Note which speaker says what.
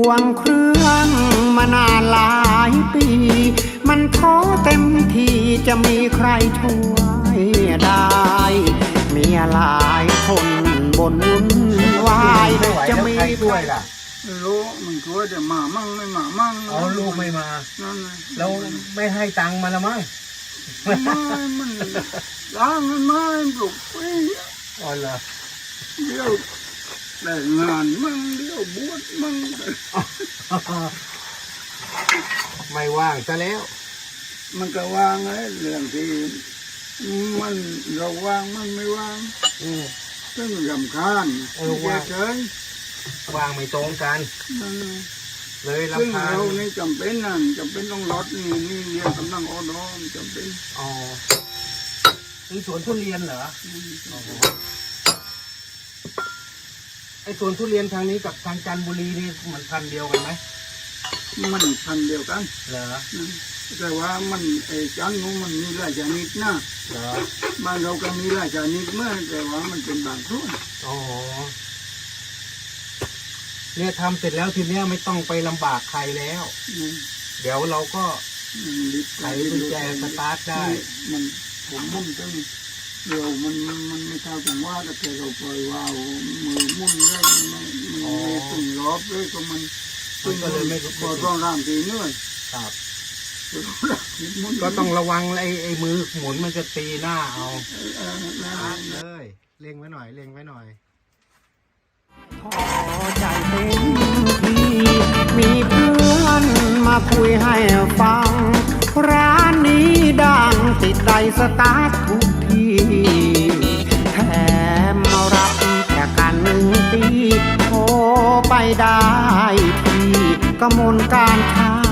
Speaker 1: วงเครื่องมานานหลายปี มันท้อเต็มที่จะมีใครช่วยได้ มีหลายคนบนวุ่นวายจะมี
Speaker 2: ใครช่วยล่ะ
Speaker 3: ไม่รู้มันช่วยแต่มามั่งไม่มามั่ง
Speaker 2: อ๋อลูกไม่มา
Speaker 3: นั่นไง
Speaker 2: แล้วไม่ให้ตังค์มาละมั้ง
Speaker 3: ไม่มันล้างมันไม่ปลุกไป
Speaker 2: อ๋อเหรอ
Speaker 3: เดี๋ยวแต่งงานมั่งเดี๋ยวบวชมั่ง
Speaker 2: ไม่ว่างซะแล้ว
Speaker 3: มันก็วางไอ้เรื่องที่มันเราวางมันไม่วาง
Speaker 2: อืม
Speaker 3: ซึ่งรำคาญ
Speaker 2: ว่าง
Speaker 3: เฉย
Speaker 2: ว่างไม่ตรงกัน
Speaker 3: ๆนั่นไง
Speaker 2: เลย
Speaker 3: ซึ่ง
Speaker 2: รำคาญ
Speaker 3: เรานี่จำเป็นนั่นจำเป็นต้องลดนี่เรียนกำลังอ่อนๆจำเป็น
Speaker 2: อ๋อนี่สวนทุเรียนเหรออ๋อไอ้สวนทุเรียนทางนี้กับทางจันทบุรีนี่มันพันธุ์เดียวกันไหม
Speaker 3: มันพันธุ์เดียวกัน
Speaker 2: เหรอ
Speaker 3: แต่ว่ามันไอ้จันทร์นู้นมันมีหลายชนิดนะ
Speaker 2: เหรอ
Speaker 3: บ้านเราก็มีหลายชนิดเมื่อแต่ว่ามันเป็นบางส่วน
Speaker 2: อ๋อเนี่ยทำเสร็จแล้วทีเนี้ยไม่ต้องไปลำบากใครแล้ว เดี๋ยวเราก็
Speaker 3: ลิบ
Speaker 2: ไขกุญแจสตาร์ทได้
Speaker 3: มันผมมุ่งตั้งเร็วมันไม่เท่าถึงว่าแต่เราปล่อยวาวมือมุ่นได้มันไม่ตึงรอบเลยก็มัน
Speaker 2: ก็เลยไม่
Speaker 3: พอต้องร่างทีเนื่อย
Speaker 2: ครับ ก็ต้องระวังไอ้มือหมุนมันจะตีหน้าเอาเลยเล็งไว้หน่อยเล็งไว้หน่อย
Speaker 1: พอใจเต็มที่มีเพื่อนมาคุยให้ฟัง ร้านนี้ดังติดใจสตาร์ททุกทีแถมมารับแค่กัน1 ปีโทรไปได้ที่กมลการค้า